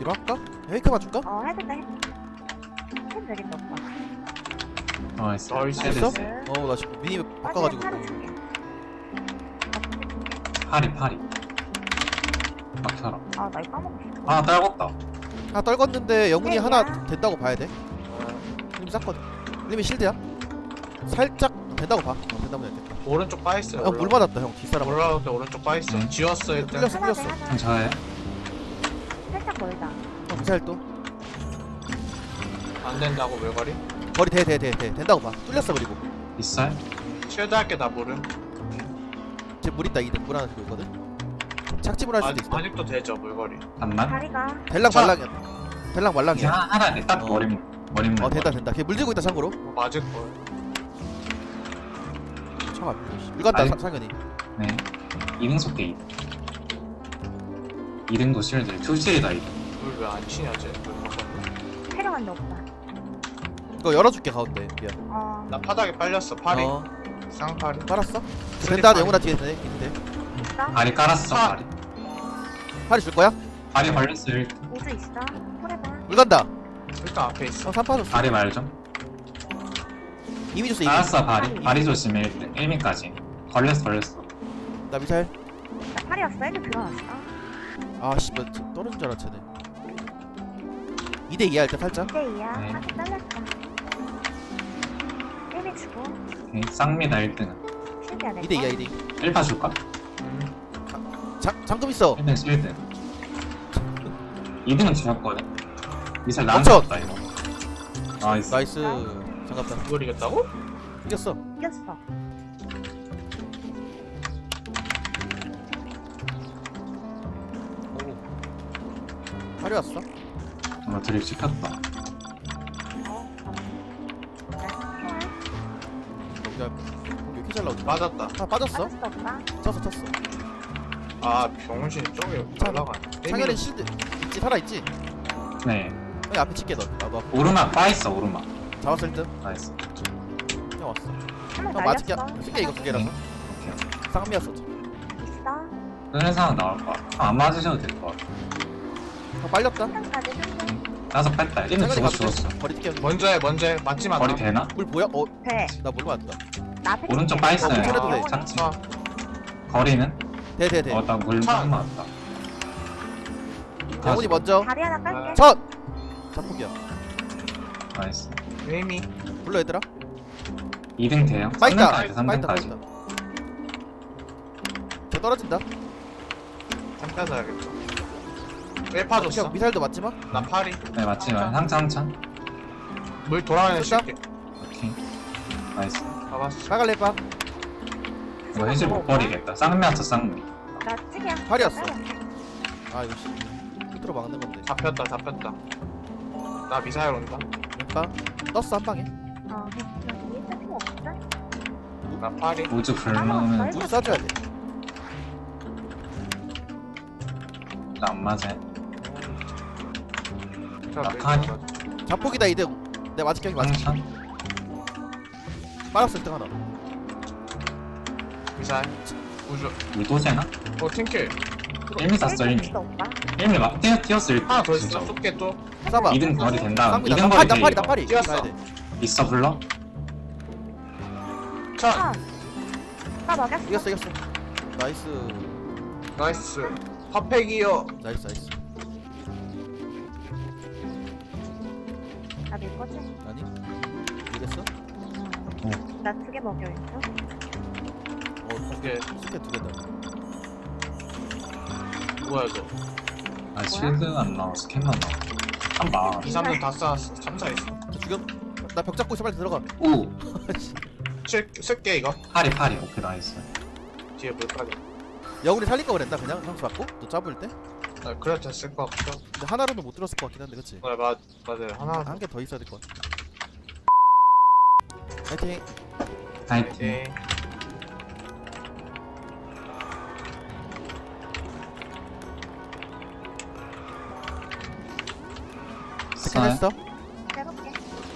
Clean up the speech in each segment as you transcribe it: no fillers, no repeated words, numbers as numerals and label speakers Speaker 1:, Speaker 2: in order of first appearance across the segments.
Speaker 1: 할까? 헤이크만 줄까?
Speaker 2: 해도 돼. 캔 되겠다 오빠.
Speaker 3: 나이스.
Speaker 4: 나이스.
Speaker 1: 됐어?
Speaker 2: 네.
Speaker 1: 나 지금 미니 바꿔가지고.
Speaker 2: 팔을 줄게.
Speaker 3: 파리. 막혀라.
Speaker 2: 나 이거 까먹었어.
Speaker 3: 아, 떨궜다.
Speaker 1: 하나 떨궜는데 영훈이
Speaker 2: 네,
Speaker 1: 하나
Speaker 2: 야.
Speaker 1: 된다고 봐야 돼. 림이 쌌거든. 림이 실드야. 살짝 된다고 봐. 된다면 되겠다.
Speaker 4: 오른쪽 빠있어요.
Speaker 1: 형 물 맞았다 형 뒷사람.
Speaker 4: 올라올 때 오른쪽 빠있어.
Speaker 3: 응.
Speaker 4: 지웠어 일단.
Speaker 1: 뚫렸어
Speaker 2: 하나 돼
Speaker 1: 뚫렸어.
Speaker 2: 하나.
Speaker 3: 형 저예요?
Speaker 2: 살짝 멀다.
Speaker 1: 형 미사일 또.
Speaker 4: 안 된다고 물거리.
Speaker 1: 거리 돼 된다고 봐. 뚫렸어 그리고.
Speaker 3: 있어요?
Speaker 4: 쉴드 할게 나 물음.
Speaker 1: 지금 물 있다 이등 물 하나 들고 있거든. 착지물 할 수도 있어.
Speaker 4: 아직도 되죠 물거리.
Speaker 3: 반만?
Speaker 2: 다리가.
Speaker 1: 벨랑
Speaker 4: 자.
Speaker 1: 말랑이야. 벨랑
Speaker 3: 이제
Speaker 1: 말랑이야.
Speaker 3: 하나네. 딱
Speaker 1: 어.
Speaker 3: 머리물.
Speaker 1: 된다. 걔 물 들고 있다 참고로.
Speaker 4: 맞을 거야.
Speaker 1: 차가 물 간다
Speaker 3: 아니.
Speaker 1: 상현이.
Speaker 3: 네. 2등 속게 2등. 2등도 실드. 투실이다 2등.
Speaker 4: 물 왜 안 치냐 쟤. 물 바꿨네.
Speaker 2: 데려간다 오빠.
Speaker 1: 이거 열어줄게 가운데. 미안.
Speaker 4: 나 바닥에 빨렸어. 팔이. 쌍팔이.
Speaker 1: 빨았어?
Speaker 4: 쓰리
Speaker 1: 된다
Speaker 4: 팔이.
Speaker 1: 영훈아 뒤에 있는데.
Speaker 2: 있어?
Speaker 3: 발이 깔았어.
Speaker 4: 아.
Speaker 3: 발이.
Speaker 1: 팔이 줄 거야?
Speaker 3: 발이 걸렸어. 1등.
Speaker 2: 우주 있어? 포레봐.
Speaker 1: 물 간다.
Speaker 4: 일단 앞에 있어.
Speaker 1: 3 빠졌어.
Speaker 3: 발이 말 좀.
Speaker 1: 이미 줬어 이미.
Speaker 3: 알았어 발이. 발이 조심해 1등. 1미까지. 걸렸어.
Speaker 1: 나 미사일.
Speaker 2: 나 팔이었어. 애들 들어왔어.
Speaker 1: 아씨 나 떨어진 줄 알았지. 2대 2야 일단 살짝.
Speaker 2: 2대2야.
Speaker 3: 네.
Speaker 2: 아직 잘렸어. 1미 주고.
Speaker 3: 오케이. 쌍미다 1등은.
Speaker 2: 실드야 내
Speaker 1: 2대 2야 2대 2.
Speaker 3: 1파 줄까?
Speaker 1: 잠금 있어.
Speaker 3: 1등 실드. 2등은 지웠거든. 미사일 나한테
Speaker 1: 멈춰!
Speaker 3: 왔다 이거. 나이스.
Speaker 1: 나이스. 장갑다.
Speaker 4: 이걸 이겼다고?
Speaker 1: 이겼어.
Speaker 2: 이겼어.
Speaker 1: 오. 팔이 왔어.
Speaker 3: 나 드립 시켰다.
Speaker 1: 야, 왜 이렇게 잘 나오지?
Speaker 4: 맞았다.
Speaker 1: 아 빠졌어.
Speaker 2: 빠졌어 오빠.
Speaker 1: 쳤어.
Speaker 4: 아 병신 쪽에
Speaker 1: 자,
Speaker 4: 올라가네.
Speaker 1: 상현이 실드 있지 살아 있지.
Speaker 3: 네.
Speaker 1: 여기 앞에 찍게 너. 나도 앞에.
Speaker 3: 오르막 빠있어 오르막.
Speaker 1: 잡았어 1등.
Speaker 3: 나이스.
Speaker 1: 형 왔어.
Speaker 2: 한명
Speaker 1: 형 맞을게.
Speaker 2: 날렸어.
Speaker 1: 쓸게 이거 두 개라서.
Speaker 3: 오케이.
Speaker 1: 쌍미였어.
Speaker 2: 있어.
Speaker 3: 그런 상황 나올 것 같아. 안 맞으셔도 될 것 같아.
Speaker 1: 형 빨렸다.
Speaker 2: 한까지 좀.
Speaker 3: 나서 뺐다. 1등
Speaker 1: 상현이 가도
Speaker 3: 죽었어.
Speaker 1: 돼. 거리 뛸게.
Speaker 4: 먼저 해. 맞지마.
Speaker 3: 머리 되나?
Speaker 1: 물 뭐야?
Speaker 2: 돼.
Speaker 1: 나물 맞다.
Speaker 2: 나 앞에
Speaker 3: 오른쪽
Speaker 2: 찍게.
Speaker 3: 빠있어요.
Speaker 1: 아, 그래도 돼.
Speaker 3: 착지.
Speaker 4: 아,
Speaker 3: 거리는?
Speaker 1: 돼.
Speaker 3: 나물
Speaker 4: 차.
Speaker 3: 맞다.
Speaker 1: 영훈이 먼저.
Speaker 2: 다리 하나 깔게.
Speaker 1: 첫. 자폭이야.
Speaker 3: 나이스.
Speaker 4: 에이미.
Speaker 1: 불러 얘들아.
Speaker 3: 2등 돼요?
Speaker 1: 빠있다.
Speaker 3: 3등까지. 3등까지.
Speaker 1: 저 떨어진다.
Speaker 4: 잠깐 자야겠다. 1파 줬어.
Speaker 1: 형 미사일도 맞지 마.
Speaker 4: 나 팔이.
Speaker 3: 네 맞지만 항상.
Speaker 4: 물 돌아가는
Speaker 1: 쏜다?
Speaker 4: 쉴게.
Speaker 3: 오케이. 나이스.
Speaker 4: 잡았어.
Speaker 1: 빨갈래 빠.
Speaker 3: 이거 해질 못 버리겠다. 쌍미 왔어 쌍미.
Speaker 2: 나 찍이야.
Speaker 1: 팔이었어. 아 이거 씨. 끝으로 막는 건데.
Speaker 4: 잡혔다. 나 미사일 온다.
Speaker 1: 왼방 떴어 한 방에.
Speaker 2: 여기 있을 필요 없어.
Speaker 4: 나 팔이.
Speaker 3: 우주 불면은
Speaker 1: 물 쏴줘야 돼.
Speaker 3: 안 맞아.
Speaker 4: 자,
Speaker 3: 낙하니?
Speaker 1: 자폭이다 이대. 내 맞을 경이 맞지.
Speaker 3: 항상.
Speaker 1: 빨았어 1등 하나.
Speaker 4: 미사일. 우주.
Speaker 3: 물도새나?
Speaker 4: 팅킬.
Speaker 3: 1미 쐈어 1미.
Speaker 2: 있어 오빠.
Speaker 3: 1미 막 뛰었어 1등.
Speaker 4: 하나 더 있어. 쏠게 또.
Speaker 1: 쏴봐.
Speaker 3: 2등 거리 된다.
Speaker 1: 쌍미다.
Speaker 3: 2등
Speaker 1: 나
Speaker 3: 거리 돼
Speaker 1: 팔이
Speaker 3: 이거.
Speaker 1: 나 팔이.
Speaker 4: 뛰었어.
Speaker 1: 가야 돼.
Speaker 3: 있어 불러?
Speaker 4: 차.
Speaker 2: 나 먹였어.
Speaker 1: 이겼어. 나이스.
Speaker 4: 나이스. 핫팩이요.
Speaker 1: 나이스.
Speaker 2: 나밀 거지?
Speaker 1: 아니? 이겼어?
Speaker 2: 나 2개 먹여 있어.
Speaker 4: 오케이.
Speaker 1: 스캔 2개다.
Speaker 4: 뭐야 이거.
Speaker 3: 아 실드 안 나와. 스캔만 나와. 한 방.
Speaker 4: 2, 3등 다 쌓았어. 참사했어.
Speaker 1: 저 지금 나 벽 잡고 있어 빨리 들어가.
Speaker 3: 오!
Speaker 4: 쓸게 이거.
Speaker 3: 파리. 오케이 나이스.
Speaker 4: 뒤에 물까지.
Speaker 1: 영훈이 살릴 거 그랬나 그냥 상수 받고? 너 잡을 때?
Speaker 4: 아, 그래 됐을 것 같아.
Speaker 1: 근데 하나로는 못 들었을 것 같긴 한데 그치?
Speaker 4: 맞아요. 하나.
Speaker 1: 한 개 더 있어야 될 것 같아. 파이팅.
Speaker 3: 파이팅.
Speaker 4: 네.
Speaker 1: 스캔 했어?
Speaker 2: 해볼게.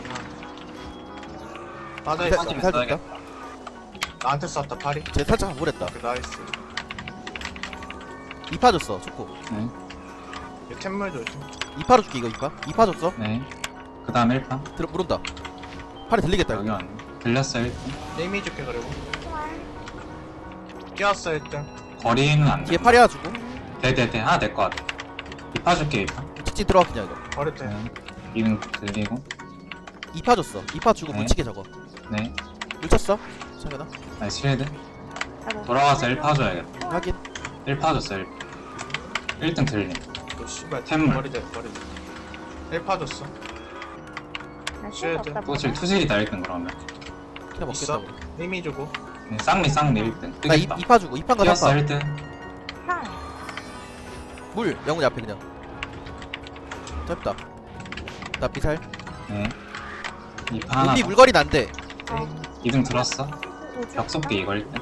Speaker 4: 맞아
Speaker 1: 미사-
Speaker 4: 있어.
Speaker 1: 미사일 줬다.
Speaker 4: 나한테 쐈다 팔이.
Speaker 1: 쟤 살짝 우울했다.
Speaker 4: 그 나이스.
Speaker 1: 2파 줬어 초코.
Speaker 3: 네.
Speaker 4: 이 템물 조심.
Speaker 1: 2파로 줄게 이거 2파 줬어.
Speaker 3: 네그 다음 1파
Speaker 1: 들어 물온다. 팔이 들리겠다
Speaker 3: 여기
Speaker 1: 이거.
Speaker 3: 왔네 들렸어 1등
Speaker 4: 네이미 줄게 그리고.
Speaker 2: 총알.
Speaker 4: 뛰었어 1등.
Speaker 3: 거리는 안
Speaker 1: 뒤에
Speaker 3: 돼.
Speaker 1: 팔이 하나 주고.
Speaker 3: 네네네 하나 될 것 같아 2파 줄게 2파
Speaker 1: 직진 들어가 그냥 이거.
Speaker 4: 버릴 때.
Speaker 3: 2등 들리고
Speaker 1: 2파 줬어. 2파 주고
Speaker 3: 네.
Speaker 1: 묻히게 저거.
Speaker 3: 네
Speaker 1: 물 쳤어. 창현아.
Speaker 3: 나이스 쉴드
Speaker 2: 아이고.
Speaker 3: 돌아가서 1파 줘야겠다
Speaker 1: 확인.
Speaker 3: 1파 줬어 1등 들림
Speaker 4: 너 씨발
Speaker 3: 템물.
Speaker 4: 버리자. 1파 줬어.
Speaker 2: 나 실드
Speaker 4: 쉴드.
Speaker 2: 없다.
Speaker 3: 또 지금 투질이다 1등 그러면
Speaker 1: 그냥 먹겠다
Speaker 4: 있어?
Speaker 1: 우리.
Speaker 4: 네이미 주고.
Speaker 3: 네, 쌍미 1등
Speaker 1: 나
Speaker 3: 뜨겠다
Speaker 1: 2파 주고 2파인가
Speaker 3: 뛰었어
Speaker 1: 3파.
Speaker 3: 1등
Speaker 2: 상.
Speaker 1: 물 영훈이 앞에 그냥. 짧다. 나 비살.
Speaker 3: 네 2파 하나
Speaker 1: 우리
Speaker 3: 더.
Speaker 1: 물거리는 안 돼.
Speaker 2: 어.
Speaker 3: 2등 들었어 벽 속기 이거 1등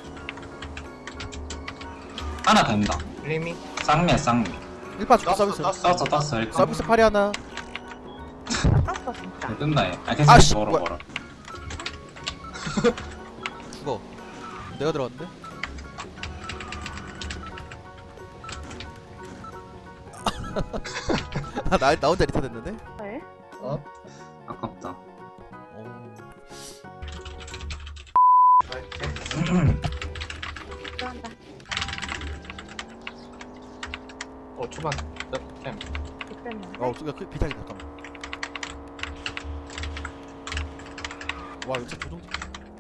Speaker 3: 하나 된다
Speaker 4: 네이미.
Speaker 3: 쌍미야 쌍미
Speaker 1: 1파 주고 서비스.
Speaker 3: 떴어 1등
Speaker 1: 서비스 팔이 하나.
Speaker 2: 나 떴어 진짜.
Speaker 3: 네, 뜬다 얘 아,
Speaker 1: 아, 씨,
Speaker 3: 계속 멀어
Speaker 1: 뭐야.
Speaker 3: 멀어
Speaker 1: 죽어. 내가 들어갔는데. 나 혼자 리타 됐는데.
Speaker 2: 헐.
Speaker 3: 아깝다
Speaker 1: 오.
Speaker 2: 들어간다.
Speaker 4: 초반. 템.
Speaker 2: 됐는데.
Speaker 1: 수가 비타기 잠깐만. 와 이거 진짜 조종.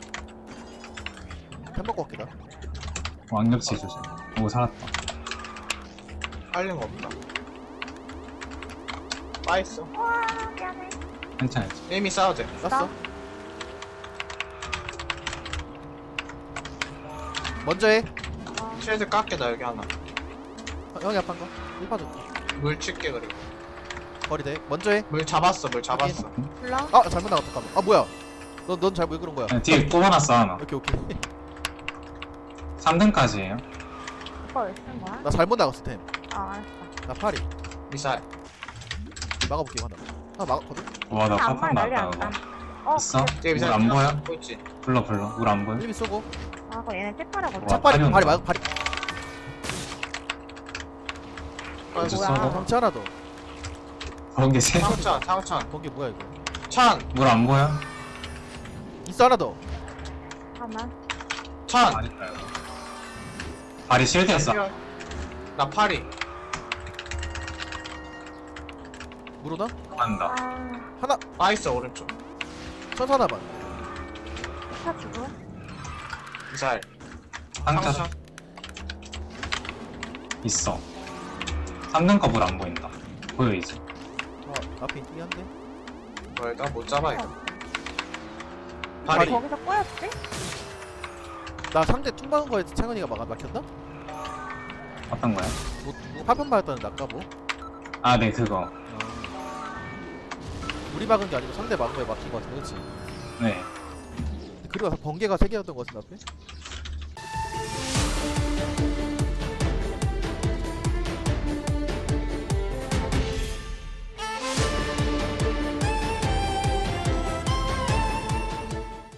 Speaker 1: 템 먹고 갈게다.
Speaker 3: 왕겹치 조심 오 살았다
Speaker 4: 빨린 거 없다. 빠있어.
Speaker 2: 와 미안해.
Speaker 3: 괜찮아
Speaker 4: 네이미 싸워도 돼.
Speaker 1: 땄어. 먼저 해.
Speaker 4: 쉴드 깎게 나 여기 하나.
Speaker 1: 형이 아픈 거. 1파 줘.
Speaker 4: 물 칠게 그리고.
Speaker 1: 거리 돼. 먼저 해.
Speaker 4: 물 잡았어. 잡았어.
Speaker 2: 불러.
Speaker 1: 아 잘못 나갔다. 잠깐만. 아 뭐야? 넌 잘 왜 그런 거야?
Speaker 3: 네, 뒤에 또 하나 써 하나
Speaker 1: 오케이 오케이.
Speaker 3: 3등까지예요
Speaker 2: 오빠 왜 쓴 거야?
Speaker 1: 나 잘못 나갔어 템.
Speaker 2: 아 알았어.
Speaker 1: 나 파리.
Speaker 4: 미사일.
Speaker 1: 막아볼게 하나. 하나 막았거든.
Speaker 3: 와나
Speaker 2: 아무
Speaker 3: 파판
Speaker 2: 말 난리
Speaker 3: 났다
Speaker 2: 안
Speaker 3: 그거
Speaker 2: 나. 어.
Speaker 3: 있어?
Speaker 4: 뒤에 미사일.
Speaker 3: 물 안 보여?
Speaker 4: 보고 있지.
Speaker 3: 불러 물 안 보여?
Speaker 1: 1미 쏘고.
Speaker 2: 아 그거 얘네 찌파라거든.
Speaker 3: 와,
Speaker 1: 차파리
Speaker 3: 파리
Speaker 1: 파리
Speaker 3: 온다.
Speaker 1: 막 파리.
Speaker 3: 어디
Speaker 2: 뭐야.
Speaker 3: 써?
Speaker 1: 방치 하나 더.
Speaker 3: 그런 게 세?
Speaker 4: 상천.
Speaker 1: 거기 뭐야 이거?
Speaker 4: 찬.
Speaker 3: 물 안 보여?
Speaker 1: 있어 하나 더.
Speaker 2: 잠깐만.
Speaker 4: 찬.
Speaker 3: 발이 실드였어
Speaker 4: 나 파리.
Speaker 1: 물오나?
Speaker 3: 간다
Speaker 2: 아.
Speaker 4: 빠있어 오른쪽.
Speaker 1: 천사 하나만.
Speaker 2: 차 주고.
Speaker 4: 미사일.
Speaker 3: 상자
Speaker 4: 상천.
Speaker 3: 있어 3등 거 물 안 보인다 보여 이제
Speaker 1: 앞에 있긴 한데.
Speaker 4: 뭘 나 못 잡아 이거.
Speaker 1: 파리.
Speaker 4: 파리.
Speaker 2: 거기서 꼬였지?
Speaker 1: 나 상대 퉁 박은 거에 창현이가 막혔나?
Speaker 3: 어떤 거야?
Speaker 1: 뭐 파편 맞았다는데 아까 뭐?
Speaker 3: 아 네 그거
Speaker 1: 우리 막은 게 아니고 상대 막은 거에 막힌 거 같은데 그치?
Speaker 3: 네
Speaker 1: 그리고 번개가 3개였던 거 같은데 앞에?